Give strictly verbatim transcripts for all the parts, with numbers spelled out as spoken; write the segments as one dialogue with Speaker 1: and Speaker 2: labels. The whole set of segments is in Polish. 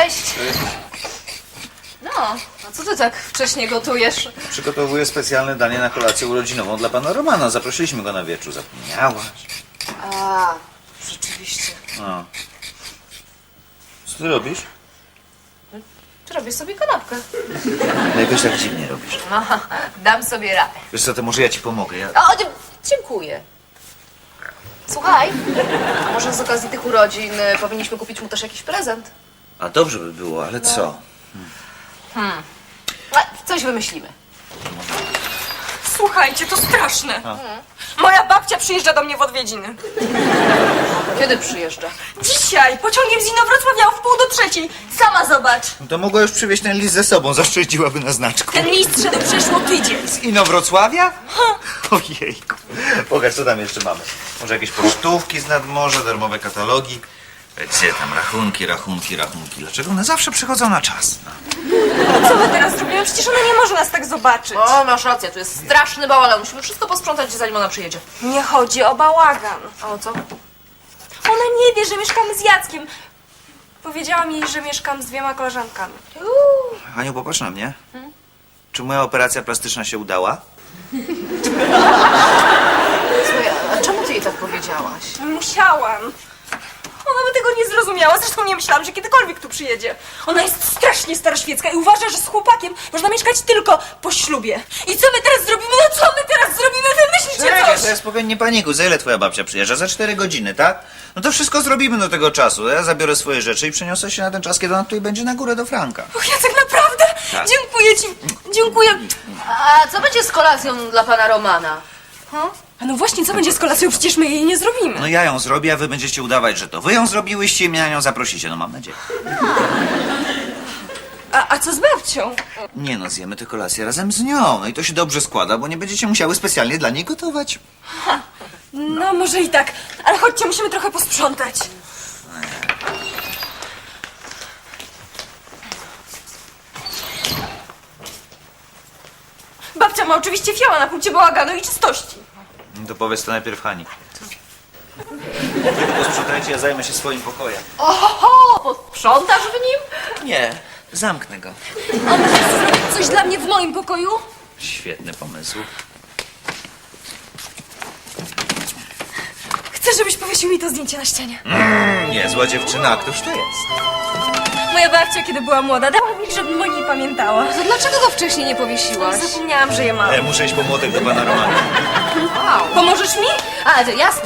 Speaker 1: Cześć! No, a co ty tak wcześnie gotujesz?
Speaker 2: Przygotowuję specjalne danie na kolację urodzinową dla pana Romana. Zaprosiliśmy go na wieczór. Zapomniałaś?
Speaker 1: A, rzeczywiście.
Speaker 2: No. Co ty robisz?
Speaker 1: Czy robię sobie kanapkę?
Speaker 2: No jakoś tak dziwnie robisz.
Speaker 1: No, dam sobie radę.
Speaker 2: Wiesz co, to może ja ci pomogę. Ja...
Speaker 1: O, dzie- dziękuję. Słuchaj, a może z okazji tych urodzin y, powinniśmy kupić mu też jakiś prezent?
Speaker 2: A dobrze by było, ale co?
Speaker 1: A, coś wymyślimy.
Speaker 3: Słuchajcie, to straszne. Moja babcia przyjeżdża do mnie w odwiedziny.
Speaker 1: Kiedy przyjeżdża?
Speaker 3: Dzisiaj pociągiem z Inowrocławia o wpół do trzeciej. Sama zobacz.
Speaker 2: No to mogła już przywieźć ten list ze sobą. Zaszczędziłaby na znaczku.
Speaker 3: Ten list szedł przeszło tydzień.
Speaker 2: Z Inowrocławia? Ojejku. Pokaż, co tam jeszcze mamy. Może jakieś pocztówki z nadmorza, darmowe katalogi. Gdzie tam rachunki, rachunki, rachunki. Dlaczego one zawsze przychodzą na czas? No.
Speaker 3: Co my teraz zrobimy? Przecież ona nie może nas tak zobaczyć.
Speaker 1: O, masz rację, tu jest straszny bałagan. Musimy wszystko posprzątać, zanim ona przyjedzie.
Speaker 3: Nie chodzi o bałagan.
Speaker 1: A o co?
Speaker 3: Ona nie wie, że mieszkamy z Jackiem. Powiedziałam jej, że mieszkam z dwiema koleżankami.
Speaker 1: Uuu.
Speaker 2: Aniu, popatrz na mnie. Czy moja operacja plastyczna się udała?
Speaker 1: Słuchaj, a czemu ty jej tak powiedziałaś?
Speaker 3: Musiałam. Ona by tego nie zrozumiała, zresztą nie myślałam, że kiedykolwiek tu przyjedzie. Ona jest strasznie staroświecka i uważa, że z chłopakiem można mieszkać tylko po ślubie. I co my teraz zrobimy? No co my teraz zrobimy? Wymyślcie
Speaker 2: Czekaj,
Speaker 3: coś!
Speaker 2: to ja spokojnie, nie panikuj. Za ile twoja babcia przyjeżdża? Za cztery godziny, tak? No to wszystko zrobimy do tego czasu. Ja zabiorę swoje rzeczy i przeniosę się na ten czas, kiedy ona tutaj będzie na górę do Franka.
Speaker 3: Och, Jacek, naprawdę?
Speaker 2: Tak.
Speaker 3: Dziękuję ci. Dziękuję.
Speaker 1: A co będzie z kolacją dla pana Romana?
Speaker 3: A no właśnie, co będzie z kolacją? Przecież my jej nie zrobimy.
Speaker 2: No ja ją zrobię, a wy będziecie udawać, że to wy ją zrobiłyście i mnie na nią zaprosicie. No mam nadzieję.
Speaker 3: A, a co z babcią?
Speaker 2: Nie no, zjemy tę kolację razem z nią. No i to się dobrze składa, bo nie będziecie musiały specjalnie dla niej gotować.
Speaker 3: No może i tak, ale chodźcie, musimy trochę posprzątać. Babcia ma oczywiście fioła na punkcie bałaganu i czystości.
Speaker 2: No to powiedz to najpierw Hani. Wy to posprzątajcie, ja zajmę się swoim pokojem.
Speaker 1: Oho, posprzątasz w nim?
Speaker 2: Nie, zamknę go.
Speaker 3: A możesz zrobić coś dla mnie w moim pokoju?
Speaker 2: Świetny pomysł.
Speaker 3: Chcę, żebyś powiesił mi to zdjęcie na ścianie.
Speaker 2: Niezła dziewczyna, a któż to jest?
Speaker 3: Moja babcia, kiedy była młoda, dała mi, żebym o niej pamiętała.
Speaker 1: To dlaczego go wcześniej nie powiesiłaś?
Speaker 3: Zapomniałam, że je mam.
Speaker 2: E, muszę iść po młotek do pana Romana.
Speaker 1: Wow.
Speaker 3: Pomożesz mi?
Speaker 1: A, to jasne.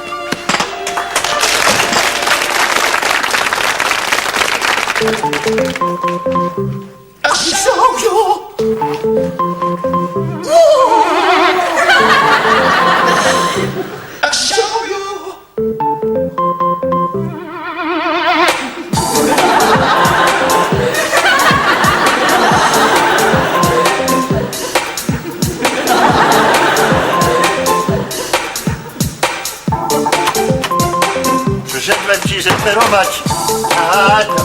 Speaker 4: Przyszedłem ci zreperować. A, to.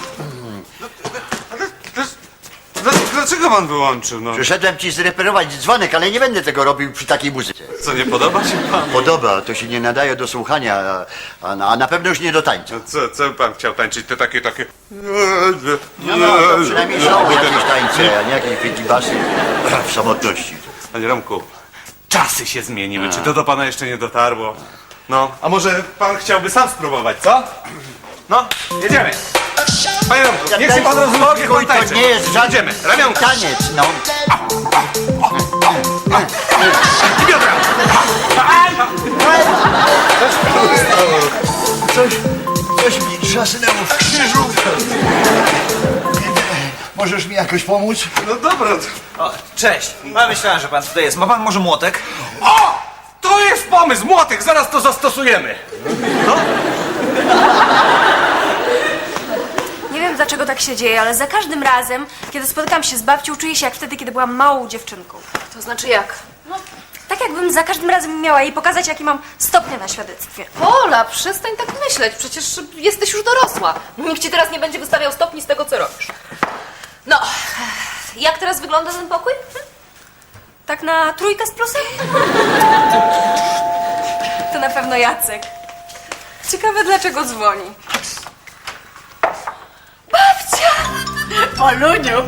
Speaker 5: Dlaczego pan wyłączył? No,
Speaker 4: Przyszedłem ci zreperować dzwonek, ale nie będę tego robił przy takiej muzyce.
Speaker 5: co, nie podoba się panu?
Speaker 4: Podoba, to się nie nadaje do słuchania, a, a, a na pewno już nie do tańca.
Speaker 5: No, co, co pan chciał tańczyć? Te takie, takie...
Speaker 4: No, no, to przynajmniej są jakieś tańce, a nie jakieś pięcibasy w samotności.
Speaker 5: Panie Romku, czasy się zmieniły. Czy to do pana jeszcze nie dotarło? No, a może pan chciałby sam spróbować, co? No, jedziemy. Panie Romku, niech się pan rozumie, niech pan
Speaker 4: To
Speaker 5: tańczy.
Speaker 4: nie jest żaden
Speaker 5: Jedziemy, ramionka.
Speaker 4: taniec, no.
Speaker 5: I biodra.
Speaker 4: Coś, coś mi trzasnęło w krzyżu. Możesz mi jakoś pomóc?
Speaker 5: No dobra.
Speaker 2: O, cześć. A myślałem, że pan tutaj jest. Ma pan może młotek?
Speaker 5: O! To jest pomysł, młotek, zaraz to zastosujemy.
Speaker 3: Nie wiem, dlaczego tak się dzieje, ale za każdym razem, kiedy spotykam się z babcią, czuję się jak wtedy, kiedy byłam małą dziewczynką.
Speaker 1: To znaczy jak?
Speaker 3: No, tak jakbym za każdym razem miała jej pokazać, jakie mam stopnie na świadectwie.
Speaker 1: Pola, przestań tak myśleć, przecież jesteś już dorosła. Nikt ci teraz nie będzie wystawiał stopni z tego, co robisz. No, jak teraz wygląda ten pokój?
Speaker 3: Tak na trójkę z plusem? To na pewno Jacek. Ciekawe, dlaczego dzwoni. Babcia!
Speaker 6: Poluniu.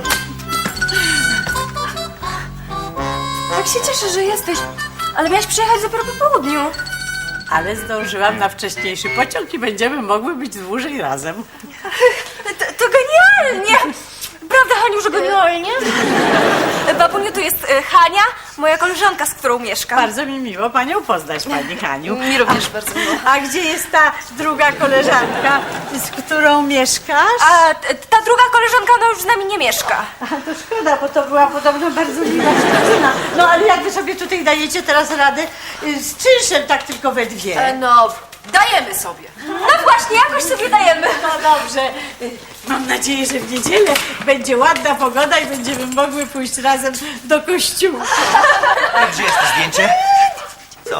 Speaker 3: Tak się cieszę, że jesteś. Ale miałaś przyjechać dopiero po południu.
Speaker 6: Ale zdążyłam na wcześniejszy pociąg i będziemy mogły być dłużej razem.
Speaker 3: To, to genialnie! Prawda, Haniu, że genialnie? Babuniu, to jest e, Hania, moja koleżanka, z którą mieszkam.
Speaker 6: Bardzo mi miło panią poznać, pani Haniu.
Speaker 1: Mi również bardzo miło.
Speaker 6: A gdzie jest ta druga koleżanka, z którą mieszkasz?
Speaker 3: A t- ta druga koleżanka, ona już z nami nie mieszka.
Speaker 6: A to szkoda, bo to była podobno bardzo miła dziewczyna. No ale jak wy sobie tutaj dajecie teraz radę y, z czynszem tak tylko we dwie?
Speaker 1: E, No, dajemy sobie.
Speaker 3: No właśnie, jakoś sobie dajemy.
Speaker 6: No dobrze. Y, Mam nadzieję, że w niedzielę będzie ładna pogoda i będziemy mogły pójść razem do kościoła.
Speaker 2: A gdzie jest to zdjęcie? Co?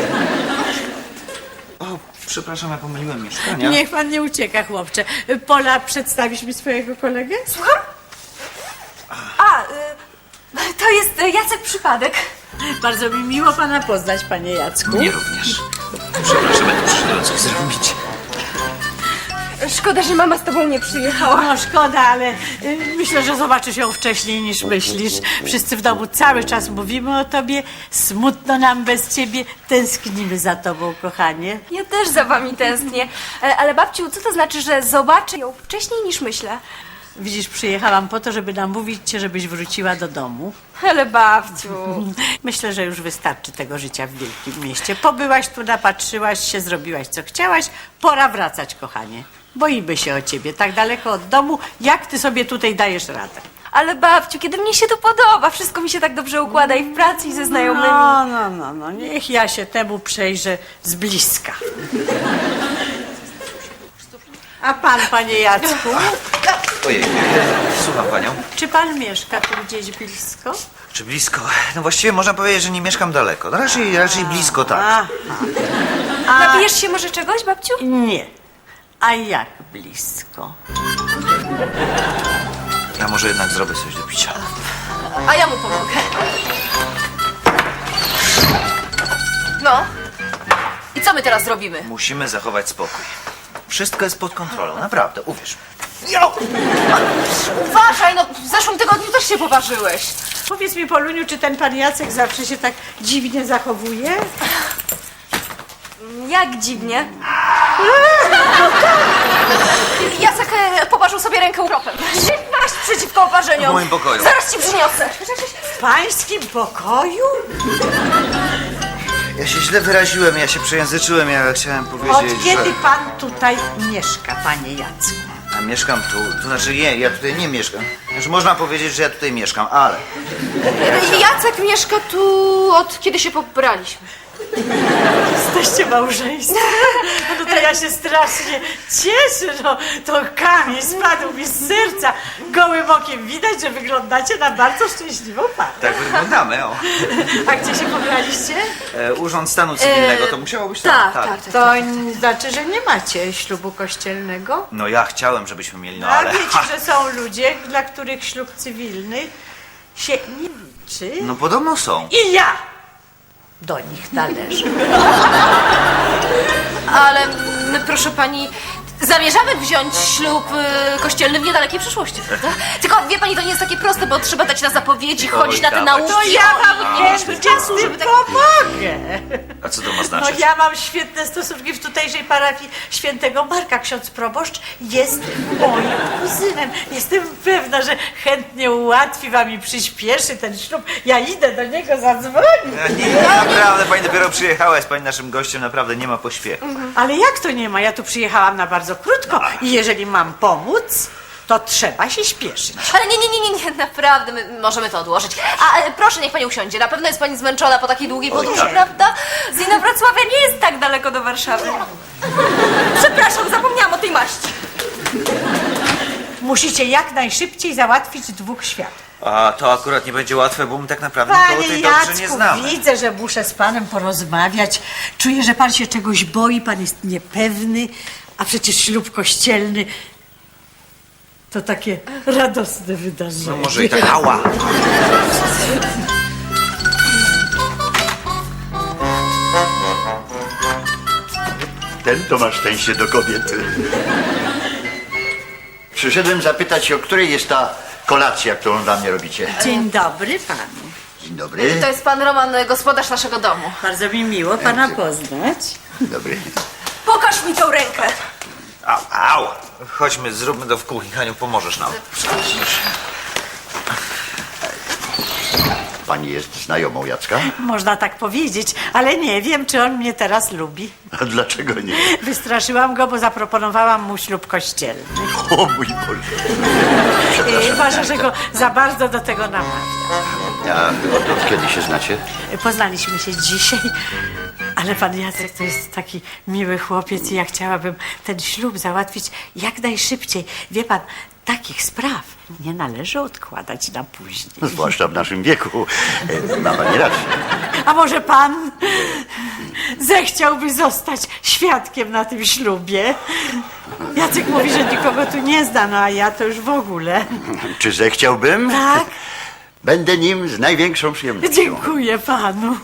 Speaker 2: O, przepraszam, ja pomyliłem mieszkania.
Speaker 6: Niech pan nie ucieka, chłopcze. Pola, przedstawisz mi swojego kolegę?
Speaker 3: Słucham? A, y, to jest y, Jacek Przypadek.
Speaker 6: Bardzo mi miło pana poznać, panie Jacku.
Speaker 2: Mnie również. Przepraszam, ja tu przyszedłem coś zrobić.
Speaker 3: Szkoda, że mama z tobą nie przyjechała.
Speaker 6: No szkoda, ale y, myślę, że zobaczysz ją wcześniej niż myślisz. Wszyscy w domu cały czas mówimy o tobie. Smutno nam bez ciebie. Tęsknimy za tobą, kochanie.
Speaker 3: Ja też za wami tęsknię. E, Ale babciu, co to znaczy, że zobaczę ją wcześniej niż myślę?
Speaker 6: Widzisz, przyjechałam po to, żeby namówić cię, żebyś wróciła do domu.
Speaker 3: Ale babciu...
Speaker 6: Myślę, że już wystarczy tego życia w wielkim mieście. Pobyłaś tu, napatrzyłaś się, zrobiłaś co chciałaś. Pora wracać, kochanie. Boimy się o ciebie, tak daleko od domu. Jak ty sobie tutaj dajesz radę?
Speaker 3: Ale babciu, kiedy mnie się tu podoba, wszystko mi się tak dobrze układa i w pracy, i ze znajomymi.
Speaker 6: No, no, no, no, niech ja się temu przejrzę z bliska. A pan, panie Jacku,
Speaker 2: Ojej, słucham panią.
Speaker 6: czy pan mieszka tu gdzieś blisko?
Speaker 2: Czy blisko? No właściwie można powiedzieć, że nie mieszkam daleko. No raczej, raczej blisko, tak.
Speaker 6: Aha.
Speaker 3: Napijesz się może czegoś, babciu?
Speaker 6: Nie. A jak blisko?
Speaker 2: Ja może jednak zrobię coś do picia.
Speaker 1: A ja mu pomogę. No. I co my teraz zrobimy?
Speaker 2: Musimy zachować spokój. Wszystko jest pod kontrolą, naprawdę, uwierz.
Speaker 1: Uważaj, no w zeszłym tygodniu też się poważyłeś.
Speaker 6: Powiedz mi, Poluniu, czy ten pan Jacek zawsze się tak dziwnie zachowuje?
Speaker 3: Jak dziwnie.
Speaker 1: Jacek e, poważył sobie rękę ukropem.
Speaker 3: Masz przeciwko oparzeniom.
Speaker 2: W moim pokoju.
Speaker 3: Zaraz ci przyniosę.
Speaker 6: W pańskim pokoju?
Speaker 2: Ja się źle wyraziłem, ja się przejęzyczyłem, ja chciałem
Speaker 6: Od
Speaker 2: powiedzieć,
Speaker 6: kiedy
Speaker 2: że...
Speaker 6: pan tutaj mieszka, panie Jacku?
Speaker 2: A mieszkam tu, to znaczy nie, ja tutaj nie mieszkam. Znaczy można powiedzieć, że ja tutaj mieszkam, ale...
Speaker 1: Jacek mieszka tu od kiedy się pobraliśmy.
Speaker 6: Jesteście małżeństwem? No to ja się strasznie cieszę, no to kamień spadł mi z serca. Gołym okiem widać, że wyglądacie na bardzo szczęśliwą parę.
Speaker 2: Tak wyglądamy, o.
Speaker 6: A gdzie się pobraliście?
Speaker 2: E, Urząd Stanu Cywilnego, to musiało być
Speaker 1: Tak,
Speaker 2: tam.
Speaker 1: tak, tak.
Speaker 6: To n- znaczy, że nie macie ślubu kościelnego?
Speaker 2: No ja chciałem, żebyśmy mieli, no
Speaker 6: A
Speaker 2: ale...
Speaker 6: wiecie, że są ludzie, dla których ślub cywilny się nie liczy?
Speaker 2: No podobno są.
Speaker 6: I ja do nich należę.
Speaker 1: Ale my, proszę pani, zamierzamy wziąć ślub y, kościelny w niedalekiej przyszłości, prawda? Tylko wie pani, to nie jest takie proste, bo trzeba dać na zapowiedzi, chodzić na te
Speaker 2: dawać.
Speaker 1: nauki.
Speaker 6: To ja
Speaker 1: o,
Speaker 6: wam
Speaker 1: i nie mieliśmy
Speaker 6: chętnie
Speaker 1: czasu,
Speaker 6: z tym
Speaker 1: żeby tak...
Speaker 6: pomogę.
Speaker 2: A co to ma
Speaker 6: No
Speaker 2: znaczyć?
Speaker 6: ja mam świetne stosunki w tutejszej parafii świętego Marka. Ksiądz proboszcz jest moim kuzynem. Jestem pewna, że chętnie ułatwi wam i przyspieszy ten ślub. Ja idę do niego zadzwonić.
Speaker 2: Ja nie, nie, naprawdę, pani dopiero przyjechała, jest pani naszym gościem, naprawdę nie ma pośpiechu.
Speaker 6: Ale jak to nie ma? Ja tu przyjechałam na bardzo krótko i jeżeli mam pomóc, to trzeba się śpieszyć.
Speaker 1: Ale nie, nie, nie, nie, nie, naprawdę, my możemy to odłożyć. A e, proszę, niech pani usiądzie, na pewno jest pani zmęczona po takiej długiej podróży,
Speaker 2: tak.
Speaker 1: prawda?
Speaker 3: Z Inowrocławia nie jest tak daleko do Warszawy. Przepraszam, zapomniałam o tej maści.
Speaker 6: Musicie jak najszybciej załatwić dwóch światów.
Speaker 2: A to akurat nie będzie łatwe, bo my tak naprawdę nikogo
Speaker 6: Panie
Speaker 2: tutaj dobrze nie
Speaker 6: Jacku,
Speaker 2: znamy.
Speaker 6: widzę, że muszę z panem porozmawiać. Czuję, że pan się czegoś boi, pan jest niepewny, a przecież ślub kościelny to takie radosne wydarzenie.
Speaker 2: No może i tak, ała.
Speaker 4: Ten to ma szczęście do kobiety. Przyszedłem zapytać się, o której jest ta kolacja, którą dla mnie robicie.
Speaker 6: Dzień dobry panu.
Speaker 4: Dzień dobry.
Speaker 1: To jest pan Roman, gospodarz naszego domu.
Speaker 6: Bardzo mi miło pana poznać.
Speaker 4: Dzień dobry.
Speaker 3: Pokaż mi tą rękę.
Speaker 2: Au, au. Chodźmy, zróbmy to w kuchni. Haniu, pomożesz nam.
Speaker 4: Pani jest znajomą Jacka?
Speaker 6: Można tak powiedzieć, ale nie wiem, czy on mnie teraz lubi.
Speaker 4: A dlaczego nie?
Speaker 6: Wystraszyłam go, bo zaproponowałam mu ślub kościelny.
Speaker 4: O mój Boże.
Speaker 6: I uważa, że go za bardzo do tego namawia.
Speaker 4: Ja od, od kiedy się znacie?
Speaker 6: Poznaliśmy się dzisiaj, ale pan Jacek to jest taki miły chłopiec i ja chciałabym ten ślub załatwić jak najszybciej. Wie pan, takich spraw nie należy odkładać na później.
Speaker 4: Zwłaszcza w naszym wieku. E, Ma pani rację.
Speaker 6: A może pan zechciałby zostać świadkiem na tym ślubie? Jacek mówi, że nikogo tu nie zna, no a ja to już w ogóle.
Speaker 4: Czy zechciałbym?
Speaker 6: Tak?
Speaker 4: Będę nim z największą przyjemnością.
Speaker 6: Dziękuję panu.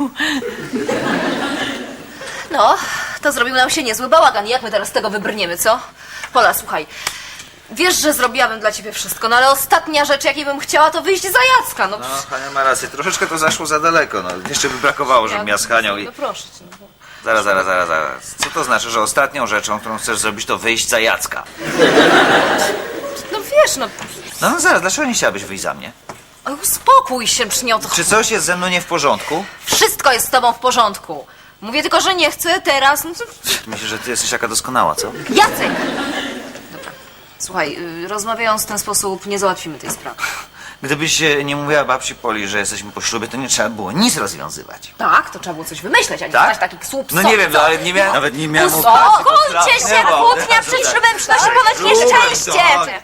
Speaker 1: No, to zrobił nam się niezły bałagan. Jak my teraz z tego wybrniemy, co? Pola, słuchaj. Wiesz, że zrobiłabym dla ciebie wszystko, no ale ostatnia rzecz, jakiej bym chciała, to wyjść za Jacka. No,
Speaker 2: No, Hania ma rację. Troszeczkę to zaszło za daleko. No, jeszcze by brakowało, żebym ja z Hanią i...
Speaker 1: No proszę cię. No.
Speaker 2: Zaraz, zaraz, zaraz, zaraz. Co to znaczy, że ostatnią rzeczą, którą chcesz zrobić, to wyjść za Jacka?
Speaker 1: no wiesz, no...
Speaker 2: No, no zaraz, dlaczego nie chciałabyś wyjść za mnie?
Speaker 1: Oj, uspokój się, przy nie o to
Speaker 2: Czy coś jest ze mną nie w porządku?
Speaker 1: Wszystko jest z tobą w porządku. Mówię tylko, że nie chcę teraz. No, to...
Speaker 2: Myślę, że ty jesteś taka doskonała, co?
Speaker 1: Jacek! Dobra. Słuchaj, y, rozmawiając w ten sposób, nie załatwimy tej sprawy.
Speaker 2: Gdybyś e, nie mówiła babci Poli, że jesteśmy po ślubie, to nie trzeba było nic rozwiązywać.
Speaker 1: Tak, to trzeba było coś wymyśleć, a nie
Speaker 2: Tak?
Speaker 1: znać takich słup.
Speaker 2: No nie wiem, no, ale nie miałem... Nawet nie miałem
Speaker 1: Uspokójcie się, kłótnia przed ślubem przynosi ponoć nieszczęście.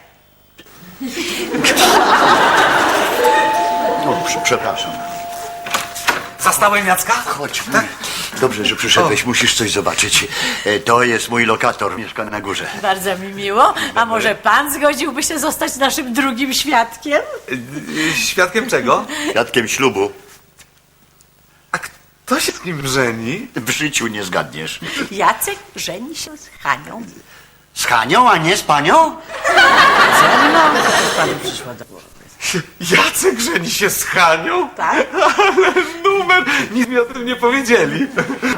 Speaker 4: O, prze- przepraszam.
Speaker 5: Zastałem Jacka?
Speaker 4: Chodź. Tak? Dobrze, że przyszedłeś. Musisz coś zobaczyć. E, To jest mój lokator. Mieszka na górze.
Speaker 6: Bardzo mi miło. A może pan zgodziłby się zostać naszym drugim świadkiem?
Speaker 5: Świadkiem czego?
Speaker 4: Świadkiem ślubu.
Speaker 5: A kto się z nim żeni?
Speaker 4: W życiu nie zgadniesz.
Speaker 6: Jacek żeni się z Hanią.
Speaker 4: Z Hanią, a nie z panią?
Speaker 6: Ze mną? To też panu przyszło do głowy.
Speaker 5: Jacek żeni się z Hanią?
Speaker 6: Tak?
Speaker 5: Ale numer! Nic mi o tym nie powiedzieli.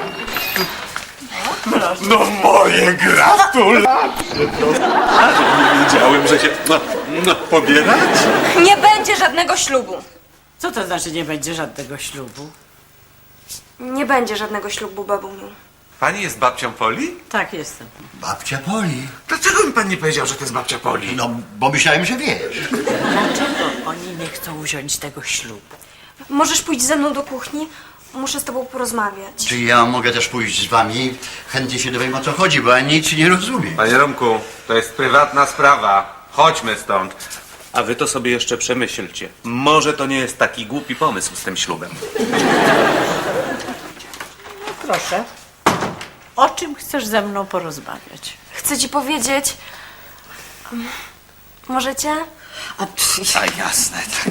Speaker 5: No moje gratulacje! Nie wiedziałem, że się no, no, pobierać.
Speaker 3: Nie będzie żadnego ślubu.
Speaker 6: Co to znaczy nie będzie żadnego ślubu?
Speaker 3: Nie będzie żadnego ślubu, babuniu.
Speaker 5: Pani jest babcią Poli?
Speaker 6: Tak, jestem.
Speaker 4: Babcia Poli.
Speaker 5: Dlaczego mi pan nie powiedział, że to jest babcia Poli?
Speaker 4: No, bo myślałem, że wiesz.
Speaker 6: Dlaczego oni nie chcą wziąć tego ślubu?
Speaker 3: Możesz pójść ze mną do kuchni? Muszę z tobą porozmawiać.
Speaker 4: Czy ja mogę też pójść z wami? Chętnie się dowiem, o co chodzi, bo ja nic nie rozumiem.
Speaker 5: Panie Romku, to jest prywatna sprawa. Chodźmy stąd. A wy to sobie jeszcze przemyślcie. Może to nie jest taki głupi pomysł z tym ślubem.
Speaker 6: Proszę. O czym chcesz ze mną porozmawiać?
Speaker 3: Chcę ci powiedzieć... Możecie?
Speaker 2: A jasne, tak.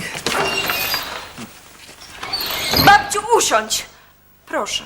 Speaker 3: Babciu, usiądź! Proszę.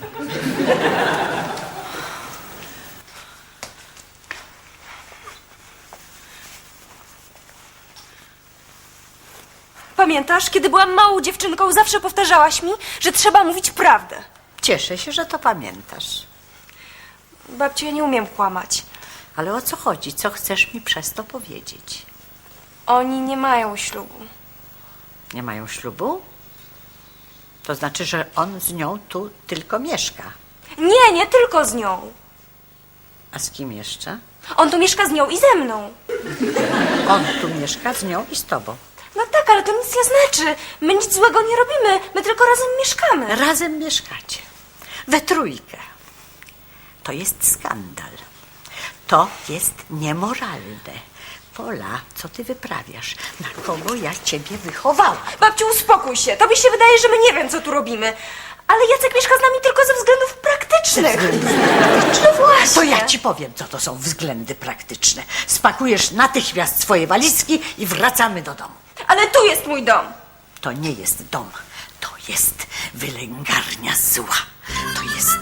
Speaker 3: Pamiętasz, kiedy byłam małą dziewczynką, zawsze powtarzałaś mi, że trzeba mówić prawdę.
Speaker 6: Cieszę się, że to pamiętasz.
Speaker 3: Babciu, ja nie umiem kłamać.
Speaker 6: Ale o co chodzi? Co chcesz mi przez to powiedzieć?
Speaker 3: Oni nie mają ślubu.
Speaker 6: Nie mają ślubu? To znaczy, że on z nią tu tylko mieszka.
Speaker 3: Nie, nie tylko z nią.
Speaker 6: A z kim jeszcze?
Speaker 3: On tu mieszka z nią i ze mną.
Speaker 6: On tu mieszka z nią i z tobą.
Speaker 3: No tak, ale to nic nie znaczy. My nic złego nie robimy. My tylko razem mieszkamy.
Speaker 6: Razem mieszkacie. We trójkę. To jest skandal. To jest niemoralne. Pola, co ty wyprawiasz? Na kogo ja ciebie wychowałam?
Speaker 3: Babciu, uspokój się. Tobie się wydaje, że my nie wiem, co tu robimy. Ale Jacek mieszka z nami tylko ze względów praktycznych. No właśnie.
Speaker 6: To ja ci powiem, co to są względy praktyczne. Spakujesz natychmiast swoje walizki i wracamy do domu.
Speaker 3: Ale tu jest mój dom.
Speaker 6: To nie jest dom. To jest wylęgarnia zła. To jest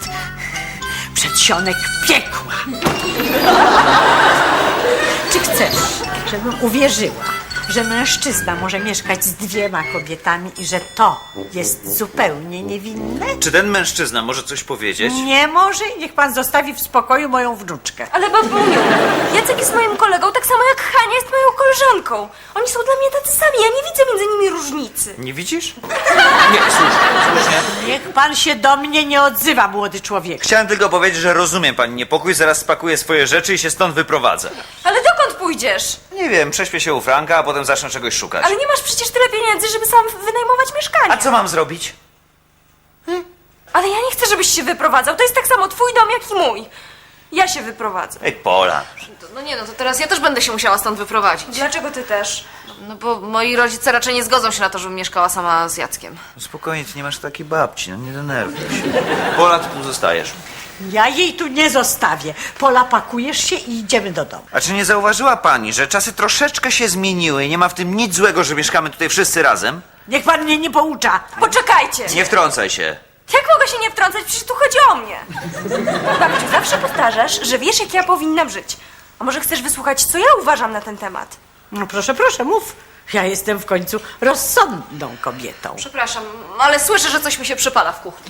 Speaker 6: przedsionek piekła. Czy chcesz, żebym uwierzyła, że mężczyzna może mieszkać z dwiema kobietami i że to jest zupełnie niewinne?
Speaker 2: Czy ten mężczyzna może coś powiedzieć?
Speaker 6: Nie może i niech pan zostawi w spokoju moją wnuczkę.
Speaker 3: Ale babuniu, Jacek jest moim kolegą, tak samo jak Hania jest moją koleżanką. Oni są dla mnie tacy sami, ja nie widzę między nimi różnicy.
Speaker 2: Nie widzisz? Nie, słusznie, słusznie.
Speaker 6: Niech pan się do mnie nie odzywa, młody człowiek.
Speaker 2: Chciałem tylko powiedzieć, że rozumiem pani niepokój, zaraz spakuję swoje rzeczy i się stąd wyprowadzę.
Speaker 3: Ale dokąd pójdziesz?
Speaker 2: Nie wiem, prześpię się u Franka, a potem zacznę czegoś szukać.
Speaker 3: Ale nie masz przecież tyle pieniędzy, żeby sam wynajmować mieszkanie.
Speaker 2: A co mam zrobić?
Speaker 3: Ale ja nie chcę, żebyś się wyprowadzał. To jest tak samo twój dom, jak i mój. Ja się wyprowadzę.
Speaker 2: Ej, Pola.
Speaker 1: No nie, no to teraz ja też będę się musiała stąd wyprowadzić.
Speaker 3: Dlaczego ty też?
Speaker 1: No bo moi rodzice raczej nie zgodzą się na to, żebym mieszkała sama z Jackiem.
Speaker 2: No spokojnie, ty nie masz takiej babci, no nie denerwuj się. Pola, ty tu zostajesz.
Speaker 6: Ja jej tu nie zostawię. Pola, pakujesz się i idziemy do domu.
Speaker 2: A czy nie zauważyła pani, że czasy troszeczkę się zmieniły i nie ma w tym nic złego, że mieszkamy tutaj wszyscy razem?
Speaker 6: Niech pan mnie nie poucza.
Speaker 3: Poczekajcie!
Speaker 2: Nie wtrącaj się.
Speaker 3: Jak mogę się nie wtrącać? Przecież tu chodzi o mnie. Babciu, zawsze powtarzasz, że wiesz, jak ja powinnam żyć. A może chcesz wysłuchać, co ja uważam na ten temat?
Speaker 6: No proszę, proszę, mów. Ja jestem w końcu rozsądną kobietą.
Speaker 1: Przepraszam, ale słyszę, że coś mi się przypala w kuchni.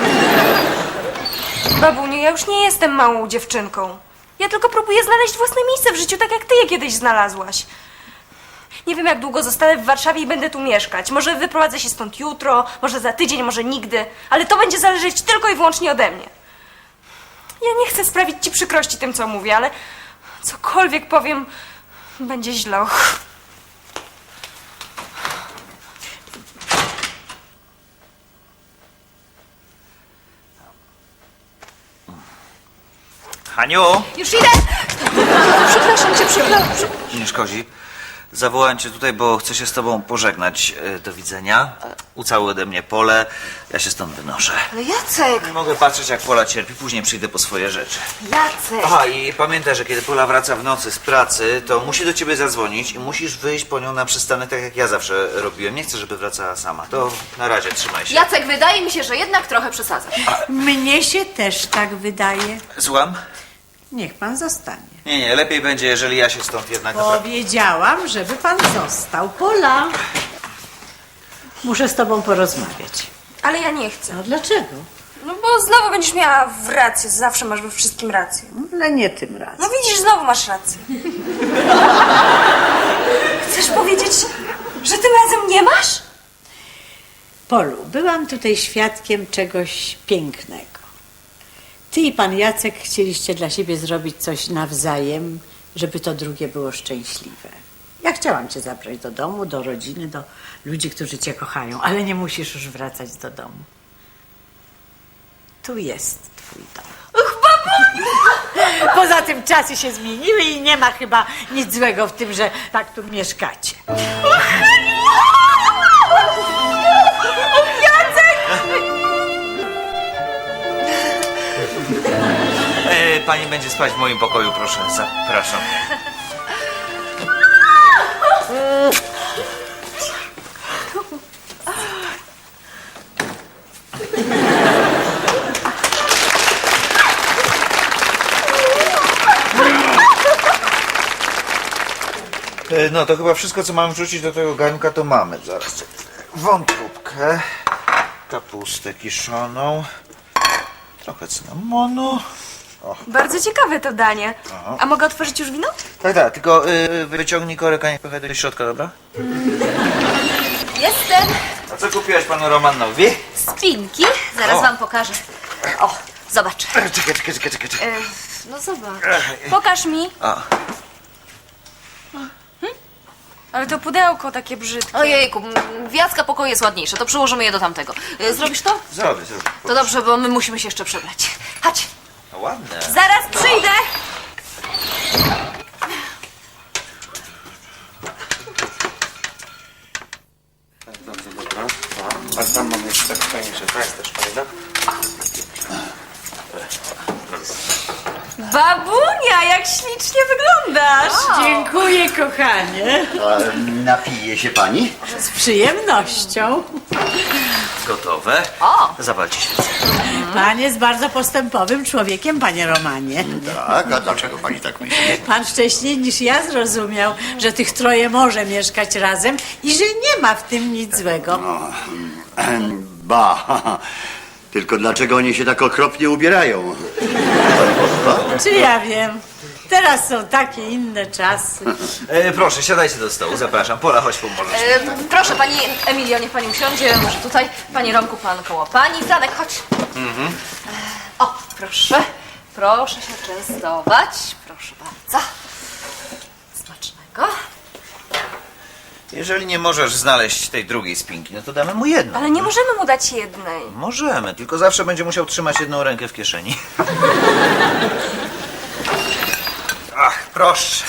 Speaker 3: Babuniu, ja już nie jestem małą dziewczynką. Ja tylko próbuję znaleźć własne miejsce w życiu, tak jak ty je kiedyś znalazłaś. Nie wiem, jak długo zostanę w Warszawie i będę tu mieszkać. Może wyprowadzę się stąd jutro, może za tydzień, może nigdy. Ale to będzie zależeć tylko i wyłącznie ode mnie. Ja nie chcę sprawić ci przykrości tym, co mówię, ale cokolwiek powiem, będzie źle. Och.
Speaker 2: Haniu!
Speaker 1: Już idę! Przepraszam cię, przepraszam.
Speaker 2: Nie szkodzi. Zawołałem cię tutaj, bo chcę się z tobą pożegnać. E, Do widzenia. Ucałuj ode mnie Polę. Ja się stąd wynoszę.
Speaker 1: Ale Jacek!
Speaker 2: Nie mogę patrzeć, jak Pola cierpi. Później przyjdę po swoje rzeczy.
Speaker 1: Jacek!
Speaker 2: Aha, i pamiętaj, że kiedy Pola wraca w nocy z pracy, to musi do ciebie zadzwonić i musisz wyjść po nią na przystanek, tak jak ja zawsze robiłem. Nie chcę, żeby wracała sama. To na razie, trzymaj się.
Speaker 1: Jacek, wydaje mi się, że jednak trochę przesadzasz.
Speaker 6: Mnie się też tak wydaje.
Speaker 2: Słucham?
Speaker 6: Niech pan zostanie.
Speaker 2: Nie, nie, lepiej będzie, jeżeli ja się stąd jednak naprawdę...
Speaker 6: Powiedziałam, żeby pan został. Pola, muszę z tobą porozmawiać.
Speaker 3: Ale ja nie chcę.
Speaker 6: No dlaczego?
Speaker 3: No bo znowu będziesz miała w rację. Zawsze masz we wszystkim rację.
Speaker 6: Ale nie tym razem.
Speaker 3: No widzisz, znowu masz rację. Chcesz powiedzieć, że tym razem nie masz?
Speaker 6: Polu, byłam tutaj świadkiem czegoś pięknego. Ty i pan Jacek chcieliście dla siebie zrobić coś nawzajem, żeby to drugie było szczęśliwe. Ja chciałam cię zabrać do domu, do rodziny, do ludzi, którzy cię kochają, ale nie musisz już wracać do domu. Tu jest twój dom. Poza tym czasy się zmieniły i nie ma chyba nic złego w tym, że tak tu mieszkacie.
Speaker 2: E, pani będzie spać w moim pokoju, proszę. Zapraszam. E, No to chyba wszystko, co mam wrzucić do tego garnka, to mamy. Zaraz. Wątróbkę, kapustę kiszoną, trochę cynamonu.
Speaker 3: Bardzo ciekawe to danie. A mogę otworzyć już wino?
Speaker 2: Tak, tak, tylko y, wyciągnij korek, a nie pchaj do środka, dobra?
Speaker 1: Jestem!
Speaker 2: A co kupiłaś panu Romanowi?
Speaker 1: Spinki. Zaraz
Speaker 2: O.
Speaker 1: wam pokażę. O, zobacz.
Speaker 2: Czekaj, czekaj, czekaj, czekaj, czekaj.
Speaker 1: E, no zobacz.
Speaker 3: Pokaż mi.
Speaker 2: A,
Speaker 3: Ale to pudełko takie brzydkie.
Speaker 1: Ojejku, m, w Jacka pokoju jest ładniejsze, to przyłożymy je do tamtego. E, Zrobisz to?
Speaker 2: zrobię, zrobię.
Speaker 1: To dobrze, bo my musimy się jeszcze przebrać. Chodź.
Speaker 2: No ładne.
Speaker 3: Zaraz przyjdę.
Speaker 5: Bardzo dobra. A tam mam jeszcze tak fajniejsze. To jest też fajna.
Speaker 3: Babunia, jak ślicznie wyglądasz.
Speaker 6: Dziękuję, kochanie.
Speaker 4: A napije się pani?
Speaker 6: Z przyjemnością.
Speaker 2: gotowe.
Speaker 1: O!
Speaker 2: Zapalcie świecę.
Speaker 6: Pan jest bardzo postępowym człowiekiem, panie Romanie.
Speaker 4: Tak, a dlaczego pani tak myśli?
Speaker 6: Pan wcześniej niż ja zrozumiał, że tych troje może mieszkać razem i że nie ma w tym nic złego.
Speaker 4: Ba, tylko dlaczego oni się tak okropnie ubierają?
Speaker 6: Czy ja wiem? Teraz są takie inne czasy.
Speaker 2: E, proszę, siadajcie do stołu, zapraszam. Pola, chodź pomożesz.
Speaker 1: E, proszę, pani Emilio, niech pani usiądzie, może tutaj. Panie Romku, pan koło pani. Franek, chodź. E, o, proszę. Proszę się częstować. Proszę bardzo. Smacznego.
Speaker 2: Jeżeli nie możesz znaleźć tej drugiej spinki, no to damy mu jedną.
Speaker 3: Ale nie możemy mu dać jednej.
Speaker 2: Możemy, tylko zawsze będzie musiał trzymać jedną rękę w kieszeni. Ach, proszę.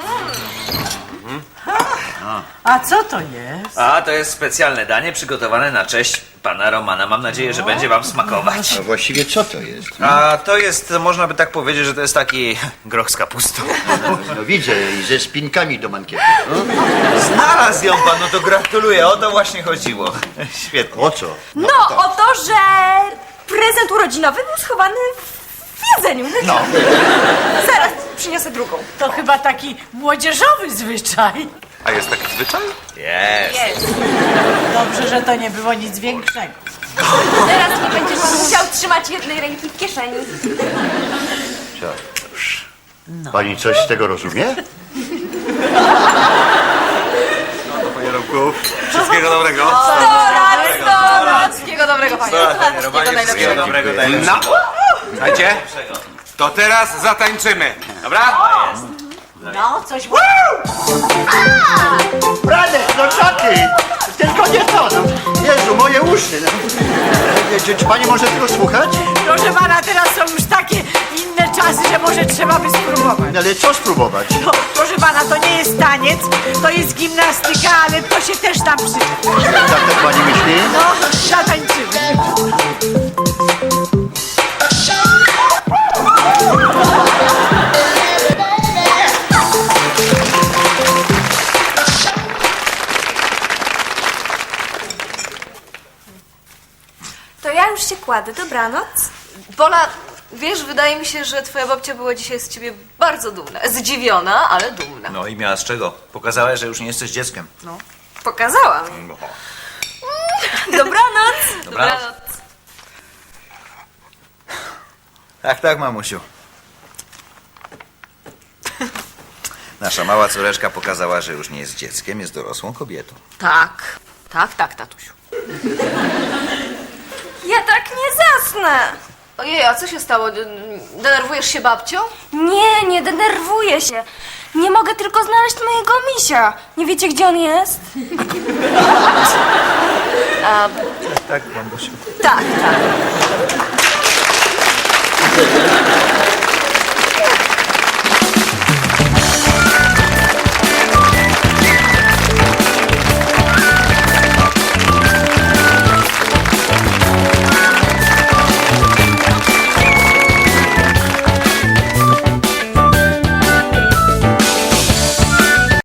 Speaker 6: A co to jest?
Speaker 2: A, to jest specjalne danie przygotowane na cześć pana Romana. Mam nadzieję, że będzie wam smakować.
Speaker 4: A właściwie co to jest?
Speaker 2: A to jest, można by tak powiedzieć, że to jest taki groch z kapustą.
Speaker 4: No widzę, i ze spinkami do mankietu.
Speaker 2: Znalazł ją pan, no to gratuluję. O to właśnie chodziło. Świetnie.
Speaker 4: O co?
Speaker 3: No, o to, że prezent urodzinowy był schowany w jedzeniu.
Speaker 4: No.
Speaker 3: Zaraz przyniosę drugą.
Speaker 6: To chyba taki młodzieżowy zwyczaj.
Speaker 5: A jest taki zwyczaj?
Speaker 2: Jest.
Speaker 3: Jest.
Speaker 6: Dobrze, że to nie było nic większego.
Speaker 3: Teraz nie będziesz pan musiał trzymać jednej ręki w kieszeni.
Speaker 4: Pani coś z tego rozumie?
Speaker 5: Panie Romku, wszystkiego dobrego.
Speaker 1: sto lat, sto lat. Wszystkiego dobrego, panie.
Speaker 2: Panie Romanie, wszystkiego dobrego.
Speaker 5: No, słuchajcie, to teraz zatańczymy, dobra?
Speaker 6: No, coś...
Speaker 4: Franek, no czaty! Tylko nie to! No. Jezu, moje uszy! No. Czy, czy pani może tego słuchać?
Speaker 6: Proszę pana, teraz są już takie inne czasy, że może trzeba by spróbować.
Speaker 4: Ale co spróbować?
Speaker 6: No, proszę pana, to nie jest taniec, to jest gimnastyka, ale to się też tam przyda.
Speaker 4: Tak, tak pani myśli?
Speaker 6: No, zatańczymy.
Speaker 3: To ja już się kładę. Dobranoc.
Speaker 1: Pola, wiesz, wydaje mi się, że twoja babcia była dzisiaj z ciebie bardzo dumna. Zdziwiona, ale dumna.
Speaker 2: No i miała z czego? Pokazałeś, że już nie jesteś dzieckiem.
Speaker 1: No, pokazałam.
Speaker 3: Dobranoc.
Speaker 2: Dobranoc. Tak, tak, mamusiu. Nasza mała córeczka pokazała, że już nie jest dzieckiem, jest dorosłą kobietą.
Speaker 1: Tak, tak, tak, tatusiu.
Speaker 3: Ja tak nie zasnę.
Speaker 1: Ojej, a co się stało? Denerwujesz się babcią?
Speaker 3: Nie, nie denerwuję się. Nie mogę tylko znaleźć mojego misia. Nie wiecie, gdzie on jest?
Speaker 1: A,
Speaker 2: Tak, mamusiu.
Speaker 1: tak, tak.